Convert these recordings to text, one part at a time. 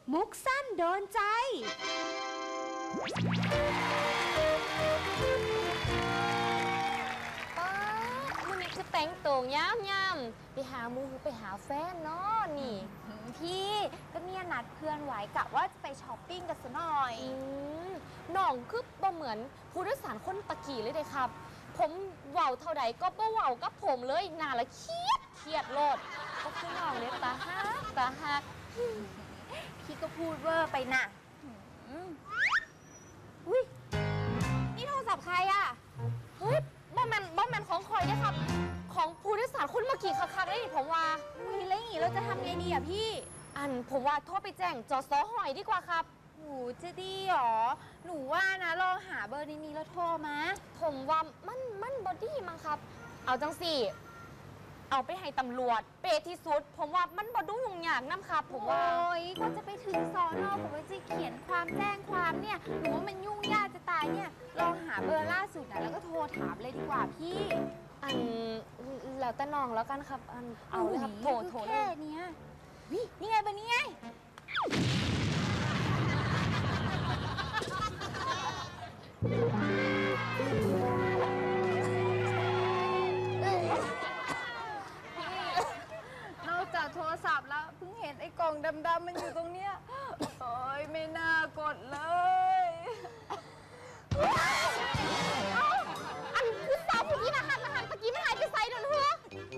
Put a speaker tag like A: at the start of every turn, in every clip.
A: มุกสั้นโดนใจ
B: ป้าวันนี้คือแต่งตัวย้ำๆไปหามูไปหาแฟนเนาะนี่
C: พี่ก็เนี่ยนัดเพื่อนไว้กะว่าจะไปช้อปปิ้งกันซะหน่อย
B: น้องคือบ่เหมือนผู้โดยสารคนตะกี้เลยเด้ครับ ผมเว้าเท่าใดก็บ่เว้ากับผมเลยน่าละเครียดโลดก็คือน้องเนี่ยตาฮัก
C: พี่ก็พูดเวอร์ไปน่ะอุ้ยนี่โทรศัพท์ใครอ่ะ
B: เฮ้ยบ่แมนของคอยเนี่ยครับของผู้โดยสารคนเมื่อกี้คักๆได้ผมว่า
C: อุ้ยแล้วอย่างงี้เราจะทำไงดีอ่ะพี่
B: ผมว่าโทรไปแจ้งจสหอยดีกว่าครับ
C: หนูจะดีหรอหนูว่านะลองหาเบอร์นี้แล้วโทรมา
B: ผมว่ามันบอดี้มั้งครับเอาจังสิเอาไปให้ตำรวจเปที่สุดผมว่ามันบอดูยุ่งยากน้ำครับผมว่า
C: โอ้ยก็จะไปถึงสอนอผมจะเขียนความแจ้งความเนี่ยหนูว่ามันยุ่งยากจะตายเนี่ยลองหาเบอร์ล่าสุดนะแล้วก็โทรถามเลยดีกว่าพี่
B: แล้วแต่น้องแล้วกันครับเอาเลยครับโทร
C: แค่เนี้ยนี่ไงเบอร์นี้ไงนอกจากโทรศัพท์แล้วเพิ่งเห็นไอ้กล่องดำๆมันอยู่ตรงเนี้ยโอ้ยไม่น่ากดเลย
B: คือสาวผู้กี้นะคะตะกี้ไม่หายไปไซด์โดนหัว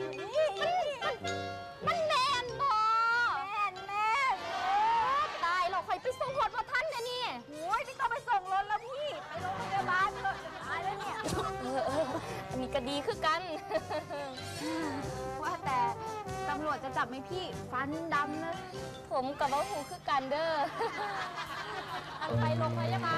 B: มันแมนบอ
C: แม่
B: ตายเราคอยไปส่งรถมาท่านเนี่ยนี่
C: โอ้ยไม่ต้องไปส่งรถแล้วพี่ไปโรงพยาบาลเลยตายแล้วเนี่ย
B: อันนี้ก็ดีคือกัน
C: ว่าแต่ตำรวจจะจับไหมพี่ฟันดำเลย
B: ผมกับว่าหูคือกันเด้อไปโรงพยาบาล